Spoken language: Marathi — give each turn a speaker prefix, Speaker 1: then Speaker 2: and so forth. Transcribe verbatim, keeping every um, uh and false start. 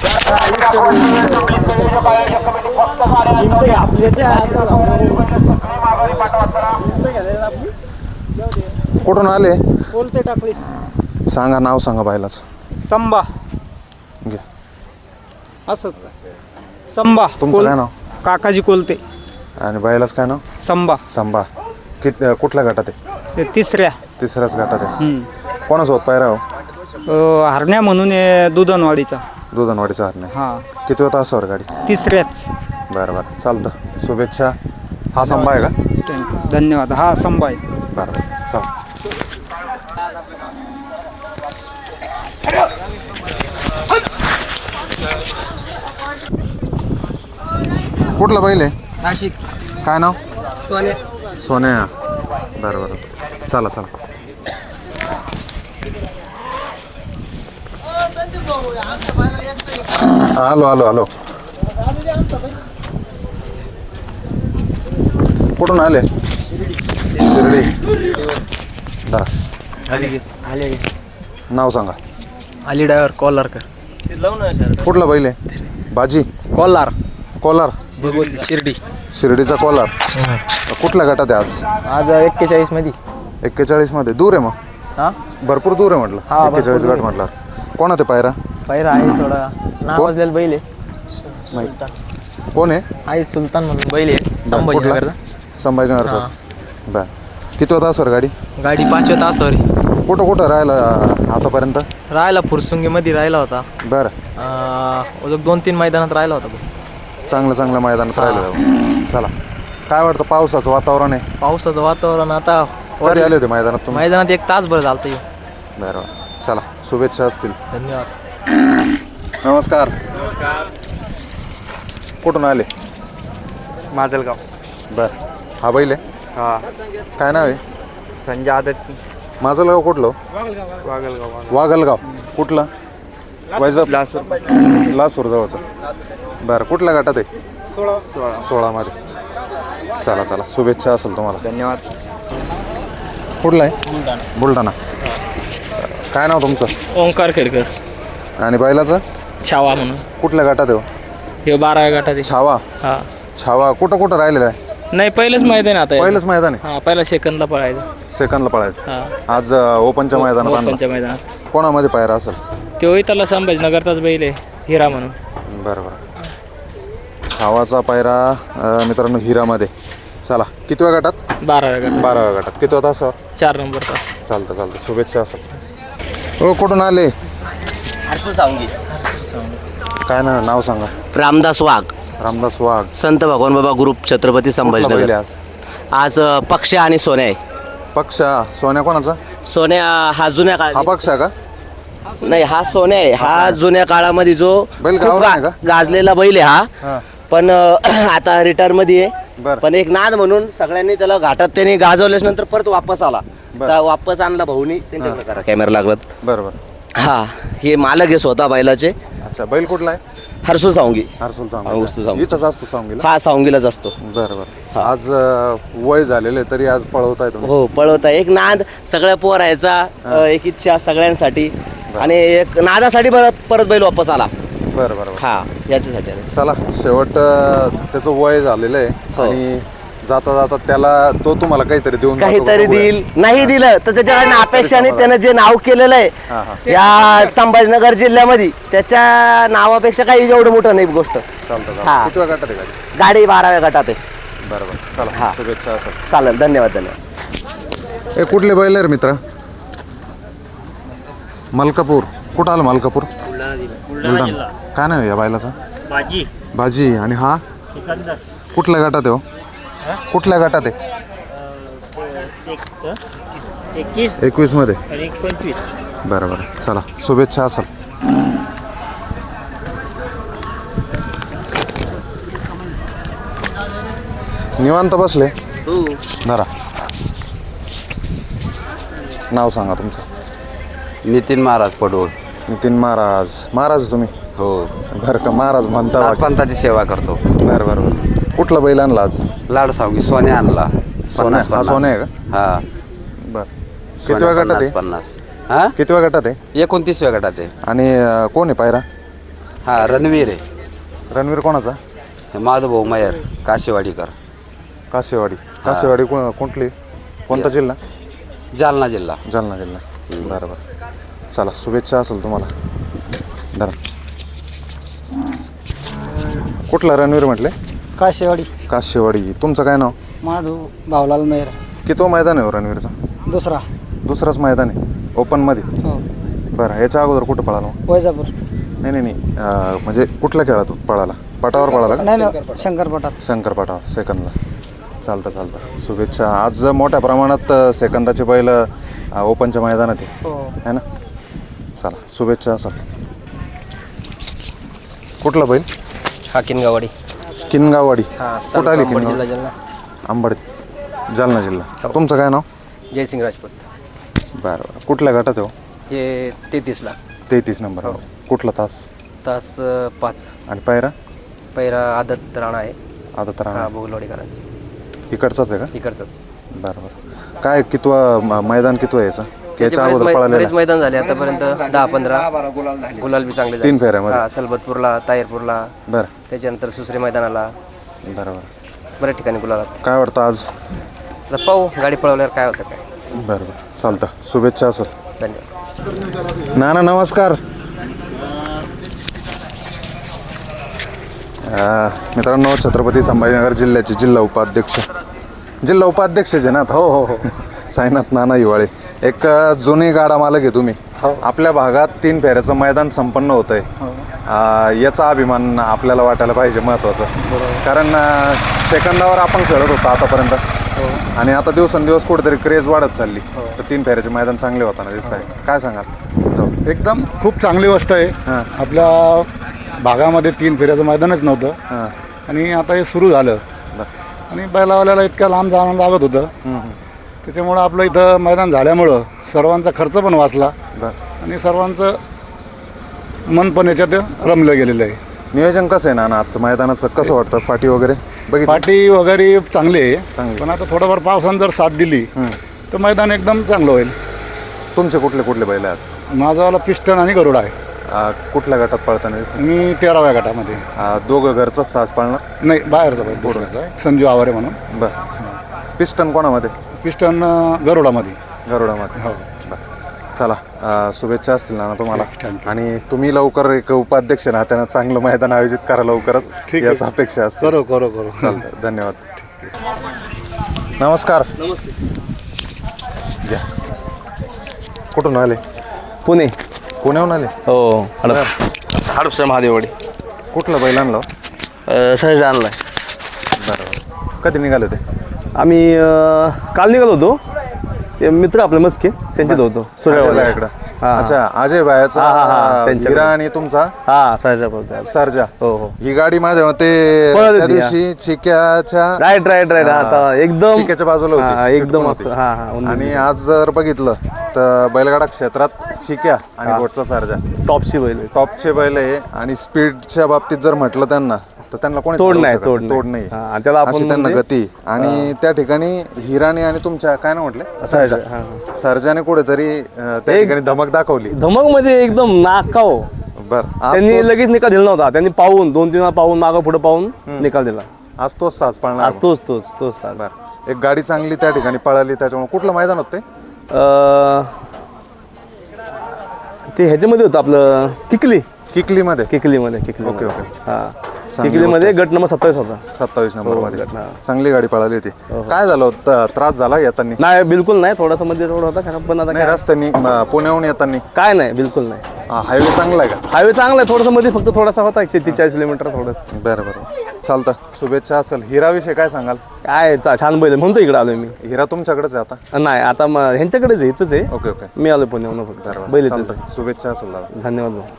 Speaker 1: कुठून आले?
Speaker 2: कोलते टाकळी.
Speaker 1: सांगा नाव सांगा बायलाच.
Speaker 2: संबा.
Speaker 1: घ्या.
Speaker 2: असंच का? संबा.
Speaker 1: तुमचं काय नाव?
Speaker 2: काकाजी कोलते.
Speaker 1: आणि बायलाच काय नाव?
Speaker 2: संबा.
Speaker 1: संबा. कित कुठल्या गटात आहे?
Speaker 2: ते तिसऱ्या.
Speaker 1: तिसऱ्याच गटात आहे.
Speaker 2: हम्म.
Speaker 1: कोणासोबत पायरा हो?
Speaker 2: अं, हरण्या म्हणून आहे दुधनवाडीचा.
Speaker 1: दुधनवाडीचा हरणे.
Speaker 2: हा.
Speaker 1: किती होता तासावर गाडी?
Speaker 2: तिसऱ्याच.
Speaker 1: बरं बरं चालतं. शुभेच्छा. हा संबा आहे का?
Speaker 2: थँक्यू. धन्यवाद. हा संबा आहे.
Speaker 1: बरं बरं चल. कुठला बैल आहे?
Speaker 2: नाशिक.
Speaker 1: काय नाव?
Speaker 2: सोने.
Speaker 1: सोन्या. बरं बरं चला चला. आलो आलो आलो. कुठून आले? शिर्डी. जरा
Speaker 2: आले आले.
Speaker 1: नाव सांगा.
Speaker 2: अली ड्रायव्हर कोल्हारकर.
Speaker 1: कुठला बैल आहे? बाजी.
Speaker 2: कोल्हार.
Speaker 1: कोलार.
Speaker 2: शिर्डी.
Speaker 1: शिर्डीचा कोलार. कुठल्या गटात आहे आज?
Speaker 2: आज एक्केचाळीस मध्ये.
Speaker 1: एक्केचाळीस मध्ये दूर आहे मग.
Speaker 2: हा
Speaker 1: भरपूर दूर आहे म्हटलं.
Speaker 2: हा, भरपूर
Speaker 1: एक्केचाळीस
Speaker 2: दूर
Speaker 1: गट
Speaker 2: आहे.
Speaker 1: म्हटलं. कोण आहे पायरा?
Speaker 2: पहिरा आहे थोडा नाव
Speaker 1: कोण?
Speaker 2: वाजलेलं बैल आहे.
Speaker 1: कोण आहे?
Speaker 2: आहे सुलतान म्हणून बैल आहे.
Speaker 1: बरं,
Speaker 2: संभाजीनगरचा.
Speaker 1: संभाजीनगरचा. बर किती होता सर गाडी?
Speaker 2: गाडी पाचव्या तासावर
Speaker 1: कुठं कुठं राहिला आतापर्यंत?
Speaker 2: राहिला फुरसुंगीमध्ये राहिला होता.
Speaker 1: बरं.
Speaker 2: अं, दोन तीन मैदानात राहिला होता.
Speaker 1: चांगलं चांगलं मैदानात राहिलं. चला काय वाटतं पावसाचं वातावरण आहे?
Speaker 2: पावसाचं वातावरण आता
Speaker 1: कधी आले होते मैदानात तुम्ही?
Speaker 2: मैदानात एक तासभर झालतं.
Speaker 1: बरं चला शुभेच्छा असतील.
Speaker 2: धन्यवाद.
Speaker 1: नमस्कार. कुठून आले?
Speaker 3: माजलगाव.
Speaker 1: बरं हा बैल आहे?
Speaker 3: हा.
Speaker 1: काय नाव आहे?
Speaker 3: संजय आदत.
Speaker 1: माझं गाव कुठलं?
Speaker 3: वागलगाव.
Speaker 1: वागलगाव. कुठलं? वैजाप.
Speaker 3: लासूर.
Speaker 1: लासूर जवळचं. बरं कुठल्या गटात आहे?
Speaker 3: सोळा. सोळा.
Speaker 1: सोळामध्ये. चला चला शुभेच्छा असेल तुम्हाला.
Speaker 3: धन्यवाद.
Speaker 1: कुठला आहे? बुलढाणा. काय नाव तुमचं?
Speaker 2: ओंकार खेडकर.
Speaker 1: आणि बैलाचं?
Speaker 2: छावा म्हणून.
Speaker 1: कुठल्या गटात आहे?
Speaker 2: हे बारा गटात.
Speaker 1: छावा.
Speaker 2: हा.
Speaker 1: छावा कुठं कुठं राहिलेला आहे?
Speaker 2: नाही पहिलंच मैदान आता.
Speaker 1: पहिलंच मैदान आहे.
Speaker 2: हा पहिला सेकंदला पळायचं.
Speaker 1: सेकंदला पळायचं.
Speaker 2: हा.
Speaker 1: आज ओपनच्या मैदानात आणलं.
Speaker 2: ओपनच्या मैदानात.
Speaker 1: कोणामध्ये पायरा असेल?
Speaker 2: तो त्याला संभाजीनगरचाच बैल आहे हिरा म्हणून.
Speaker 1: बरं बरं. छावाचा पायरा अं, मित्रांनो हिरामध्ये. चला कितव्या गटात?
Speaker 2: बाराव्या गटात.
Speaker 1: बाराव्या गटात. किती होता सर?
Speaker 2: चार नंबरचा.
Speaker 1: चालतं चालतं शुभेच्छा असेल. हो कुठून आले?
Speaker 4: हर्षू सावंगी.
Speaker 1: काय ना नाव सांगा.
Speaker 4: रामदास वाघ.
Speaker 1: रामदास वाघ.
Speaker 4: संत भगवान बाबा ग्रुप छत्रपती
Speaker 1: कुठला बैल
Speaker 4: संभाजीनगर.
Speaker 1: आहे आज?
Speaker 4: आज अ, पक्ष्या आणि सोन्या आहे.
Speaker 1: पक्षा. सोन्या कोणाचा?
Speaker 4: सोन्या हा जुन्या
Speaker 1: हा
Speaker 4: काळात
Speaker 1: पक्ष आहे का?
Speaker 4: नाही हा सोन्या आहे. हा जुन्या काळामध्ये जो
Speaker 1: बैल
Speaker 4: खूप
Speaker 1: गावरान आहे
Speaker 4: गा-
Speaker 1: का?
Speaker 4: गाजलेला बैल आहे
Speaker 1: हा.
Speaker 4: हा. पण अ, आता रिटायर मध्ये आहे.
Speaker 1: बरं.
Speaker 4: पण एक नाद म्हणून सगळ्यांनी त्याला घाटात त्याने गाजवल्याच नंतर परत वापस आला.
Speaker 1: बरं.
Speaker 4: तर वापस आणला भाऊनी त्यांच्याकडे करा कॅमेरा लागला.
Speaker 1: बरं बरं.
Speaker 4: हा हे मालक आहे स्वतः बैलाचे.
Speaker 1: अच्छा बैल कुठला आहे?
Speaker 4: हर्षू सावंगी.
Speaker 1: हर्सुल
Speaker 4: हा, हर्सुल
Speaker 1: सांग.
Speaker 4: सावंगी.
Speaker 1: इथंच असतो सांगलीला.
Speaker 4: हा सावंगीलाच असतो.
Speaker 1: बरं बरं. आज अं, वय झालेले तरी आज पळवताय तुम्ही.
Speaker 4: हो पळवता. एक नाद सगळ्या पोरायचा. अ, एक इच्छा सगळ्यांसाठी. आणि एक नादासाठी परत परत बैल वापस आला.
Speaker 1: बरं बरं बरं.
Speaker 4: हा याच्यासाठी आला.
Speaker 1: चला शेवट अं, त्याचं वय झालेलं आहे.
Speaker 4: हो.
Speaker 1: आणि जाता जाता त्याला तो तुम्हाला काहीतरी देऊन जातो
Speaker 4: काहीतरी
Speaker 1: बघूया.
Speaker 4: देईल. नाही दिलं तर त्याच्याकडनं अपेक्षाने त्यानं जे नाव केलेलं
Speaker 1: हा, हा.
Speaker 4: आहे या संभाजीनगर जिल्ह्यामध्ये त्याच्या नावापेक्षा काही एवढं मोठं नाही गोष्ट.
Speaker 1: चालतं
Speaker 4: हा.
Speaker 1: चालतं. किती वेळ गटात आहे गाडी?
Speaker 4: गाडी बाराव्या गटात आहे.
Speaker 1: बरं बरं चला
Speaker 4: हा.
Speaker 1: शुभेच्छा असेल.
Speaker 4: चालेल. धन्यवाद. धन्यवाद.
Speaker 1: हे कुठले बैल आहे रे मित्र? मलकापूर. कुठं आलं मलकापूर? बुलढाणा. काय नाव आहे या बैलाचा?
Speaker 5: भाजी.
Speaker 1: भाजी. आणि हा
Speaker 5: सिकंदर.
Speaker 1: कुठल्या गटात आहे हो? कुठल्या गटात आहे?
Speaker 5: एकवीस
Speaker 1: एकवीस मध्ये.
Speaker 5: आणि पंचवीस.
Speaker 1: बरं बरं चला शुभेच्छा असेल. निवांत बसले. धरा. नाव सांगा तुमचं.
Speaker 6: नितीन महाराज पडवळ.
Speaker 1: नितीन महाराज. महाराज तुम्ही?
Speaker 6: हो.
Speaker 1: बरं का महाराज म्हणता बाकी.
Speaker 6: नाथपंथाची सेवा करतो.
Speaker 1: बरं बरं बरं. कुठला बैल आणला आज?
Speaker 6: लाड सावगी सोन्या आणला.
Speaker 1: सोन्या. हा सोन्या आहे का?
Speaker 6: हा.
Speaker 1: बरं किती वेळ गटात आहे?
Speaker 6: पन्नास. हा
Speaker 1: किती वेळ गटात आहे?
Speaker 6: एकोणतीसव्या गटात आहे.
Speaker 1: आणि अं, कोण आहे पायरा?
Speaker 6: हा रणवीर आहे
Speaker 1: रणवीर कोणाचा?
Speaker 6: हे माधवभाऊ मयर काशेवाडीकर
Speaker 1: कासेवाडी. कासेवाडी को कुठली कोणता जिल्हा?
Speaker 6: जालना जिल्हा.
Speaker 1: जालना जिल्हा. बरं बरं चला शुभेच्छा असेल तुम्हाला. धरा. कुठला रणवीर म्हटले?
Speaker 7: काशेवाडी.
Speaker 1: कासेवाडी. तुमचं काय नाव?
Speaker 7: माधव भावलाल मेहर.
Speaker 1: किती मैदान आहे हो रणवीरचा?
Speaker 7: दुसरा.
Speaker 1: दुसराच मैदान आहे ओपनमध्ये.
Speaker 7: हो.
Speaker 1: बरं याच्या अगोदर कुठं पळाला मग?
Speaker 7: वैजापूर.
Speaker 1: नाही नाही नाही अं, म्हणजे कुठल्या खेळात पळाला? पटावर पळाला का?
Speaker 7: नाही नाही शंकरपटात.
Speaker 1: शंकरपटावर सेकंदला. चालतं चालतं शुभेच्छा. आज मोठ्या प्रमाणात सेकंदाचे बैल अं, ओपनच्या मैदानात आहे
Speaker 7: हो.
Speaker 1: है ना. चला शुभेच्छा असाल. कुठला बैल?
Speaker 8: हा किनगावाडी.
Speaker 1: किनगाववाडी.
Speaker 8: हा
Speaker 1: कुठं आली
Speaker 8: तालुका अंबड, जिल्हा
Speaker 1: किनगाव?
Speaker 8: जालना.
Speaker 1: आंबड जालना जिल्हा. तुमचं काय नाव?
Speaker 8: जयसिंग राजपूत.
Speaker 1: बरं बरं कुठल्या गटात आहे हो?
Speaker 8: हे तेहतीसला.
Speaker 1: तेहतीस नंबर. कुठला तास?
Speaker 8: तास अ, पाच.
Speaker 1: आणि पायरा?
Speaker 8: पैरा आदत राणा आहे.
Speaker 1: आता तर
Speaker 8: हा भोगलवाडीकरांचा.
Speaker 1: इकडचाच आहे का?
Speaker 8: इकडचाच.
Speaker 1: बरं बरं काय कितवा म- मैदान कितवा यायचा?
Speaker 8: त्याचे
Speaker 1: याच्या
Speaker 8: बरेच
Speaker 1: अगोदर
Speaker 8: मै-
Speaker 1: पळालेला
Speaker 8: बरेच मैदान झाले आतापर्यंत दहा पंधरा गुलाल बी चांगले झाले.
Speaker 1: तीन फेऱ्यामध्ये?
Speaker 8: हा सलबतपूरला, तायरपूरला,
Speaker 1: बरं
Speaker 8: त्याच्यानंतर सुसरे मैदानाला
Speaker 1: बरं बरं
Speaker 8: बऱ्याच ठिकाणी गुलालात.
Speaker 1: काय वाटतं आज?
Speaker 8: आता पाहू गाडी पळवल्यावर काय होतं काय.
Speaker 1: बरं बरं चालतं शुभेच्छा असेल.
Speaker 8: धन्यवाद.
Speaker 1: नाना नमस्कार. अं, मित्रांनो छत्रपती संभाजीनगर जिल्ह्याचे जिल्हा उपाध्यक्ष जिल्हा उपाध्यक्ष आहे ना? हो हो हो साईनाथ नाना हिवाळे. एक अं, जुनी गाडा मालक आहे तुम्ही. आपल्या भागात तीन फेऱ्याचं मैदान संपन्न होत आहे. याचा अभिमान आपल्याला वाटायला पाहिजे महत्त्वाचं. कारण अं, सेकंदावर आपण खेळत होतो आतापर्यंत आणि आता दिवसेंदिवस कुठेतरी क्रेज वाढत चालली. तर तीन फेऱ्याचे मैदान चांगले होताना दिसत आहे. काय सांगाल?
Speaker 9: एकदम खूप चांगली गोष्ट आहे.
Speaker 1: हां.
Speaker 9: आपल्या भागामध्ये तीन फेऱ्याचं मैदानच नव्हतं
Speaker 1: हां
Speaker 9: आणि आता हे सुरू झालं आणि बैलावाल्याला इतक्या लांब जाणं लागत होतं. त्याच्यामुळं आपलं इथं मैदान झाल्यामुळं सर्वांचा खर्च पण वाचला
Speaker 1: बरं.
Speaker 9: आणि सर्वांचं मन पण याच्यात रमलं गेलेलं आहे.
Speaker 1: नियोजन कसं आहे नाना आजचं मैदानाचं? कसं वाटतं? पाठी वगैरे बघितली?
Speaker 9: पाटी वगैरे चांगली आहे
Speaker 1: चांगली.
Speaker 9: पण आता थोडंफार पावसानं जर साथ दिली तर मैदान एकदम चांगलं होईल.
Speaker 1: तुमचे कुठले कुठले बैल आहे आज?
Speaker 9: माझावाला पिस्टन आणि गरुडा आहे.
Speaker 1: अं, कुठल्या गटात पळताना दिसत?
Speaker 9: मी तेराव्या गटामध्ये.
Speaker 1: अं, दोघं घरचंच सास पाळणार?
Speaker 9: नाही बाहेरचा बैल दुसऱ्याचा आहे संजू आवारे म्हणून.
Speaker 1: बरं. पिस्टन कोणामध्ये?
Speaker 9: पिस्टन अं, गरुडामध्ये.
Speaker 1: गरुडामध्ये.
Speaker 9: हो.
Speaker 1: बरं चला अं, शुभेच्छा असतील नाना तुम्हाला.
Speaker 9: Thank you.
Speaker 1: आणि तुम्ही लवकर एक उपाध्यक्ष ना त्यानं चांगलं मैदान आयोजित करा लवकरच.
Speaker 9: ठीक आहे.
Speaker 1: याच अपेक्षा असते.
Speaker 9: करू करू करू
Speaker 1: चालतं धन्यवाद. नमस्कार. घ्या. कुठून आले?
Speaker 2: पुणे.
Speaker 1: पुण्याहून आले?
Speaker 2: हो
Speaker 3: हडपसर महादेववाडी.
Speaker 1: कुठलं बैल आणलं?
Speaker 2: सहज आणलाय.
Speaker 1: बरं. कधी निघाले होते?
Speaker 2: आम्ही अ, काल निघालो होतो. ते मित्र आपले मस्के त्यांच्यात होतो
Speaker 1: अजय
Speaker 2: सूर्यवाडी.
Speaker 1: बायाकडं.
Speaker 2: हा.
Speaker 1: अच्छा अजय बायाचा
Speaker 2: हा, हा, हा, त्यांच्याकडे.
Speaker 1: हिरा आणि तुमचा
Speaker 2: हा सहजा बोलतोय.
Speaker 1: सर्जा.
Speaker 2: हो हो
Speaker 1: ही गाडी माझ्या मते
Speaker 2: पळत
Speaker 1: त्या
Speaker 2: होती,
Speaker 1: दिवशी चिक्याच्या
Speaker 2: राईट राईट राईट. आता एकदम
Speaker 1: चिक्याच्या बाजूला
Speaker 2: हा,
Speaker 1: होती.
Speaker 2: एकदम
Speaker 1: चिटकून
Speaker 2: असं
Speaker 1: होती.
Speaker 2: हा हा उन्नीस
Speaker 1: आणि आज जर बघितलं तर बैलगाडा क्षेत्रात चिक्या आणि
Speaker 2: हा.
Speaker 1: बोटचा सर्जा
Speaker 2: टॉपची बैल आहे.
Speaker 1: टॉपचे बैल आहे. आणि स्पीडच्या बाबतीत जर म्हटलं त्यांना तर त्यांना कोणी
Speaker 2: तोड
Speaker 1: चालवू
Speaker 2: नाही,
Speaker 1: शकत
Speaker 2: तोड
Speaker 1: नाही.
Speaker 2: नाही.
Speaker 1: तोड नाही.
Speaker 2: हा, त्याला आपण
Speaker 1: अशी त्यांना
Speaker 2: म्हणजे-
Speaker 1: गती. आणि त्या ठिकाणी हिराने आणि तुमच्या काय ना म्हटले
Speaker 2: सर्जा, हा, हा.
Speaker 1: सर्जाने कुठेतरी अं, त्या
Speaker 2: एक-
Speaker 1: ठिकाणी धमक दाखवली.
Speaker 2: धमक म्हणजे एकदम नाकाव.
Speaker 1: बर आज
Speaker 2: त्यांनी
Speaker 1: तोच-
Speaker 2: लगेच निकाल दिला नव्हता. त्यांनी पाहून दोन तीन वेळा पाहून मागं पुढे पाहून निकाल दिला.
Speaker 1: आज तोच साज पाळणार.
Speaker 2: आज तोच तोच तोच साज.
Speaker 1: बर एक गाडी चांगली त्या ठिकाणी पळाली. त्याच्यामुळे कुठलं मैदान होतं ते?
Speaker 2: अ, ते ह्याच्यामध्ये होतं आपलं किकली.
Speaker 1: किकलीमध्ये.
Speaker 2: किकलीमध्ये किकली.
Speaker 1: Okay, okay.
Speaker 2: हा
Speaker 1: चांगली
Speaker 2: किकलीमध्ये गट नंबर सत्तावीस होता.
Speaker 1: सत्तावीस नंबर मध्ये
Speaker 2: हो, हा.
Speaker 1: चांगली गाडी पळाली होती. काय झालं होतं? त्रास झाला येताना?
Speaker 2: नाही बिलकुल नाही. थोडासा मध्ये रोड होता खराब पण आता
Speaker 1: नाही
Speaker 2: काय
Speaker 1: रस्त्यानी म, पुण्याहून येताना
Speaker 2: काय नाही बिलकुल नाही.
Speaker 1: हायवे चांगला आहे का?
Speaker 2: हायवे चांगला आहे. थोडासा मध्ये फक्त थोडासा होता एकशे तीस किलोमीटर थोडंसं.
Speaker 1: बरं बरं चालतं शुभेच्छा असेल. हिराविषयी काय सांगाल?
Speaker 2: काय चा- छान बैल आहे. म्हणतो इकडे आलोय मी.
Speaker 1: हिरा तुमच्याकडेच आहे आता?
Speaker 2: नाही आता मग ह्यांच्याकडेच आहे. इथंच आहे.
Speaker 1: ओके ओके
Speaker 2: मी आलो पुण्याहून फक्त
Speaker 1: बरं
Speaker 2: बैल
Speaker 1: बरं
Speaker 2: इथंच
Speaker 1: चालतं शुभेच्छा असेल दादा.
Speaker 2: आहे. धन्यवाद भाऊ.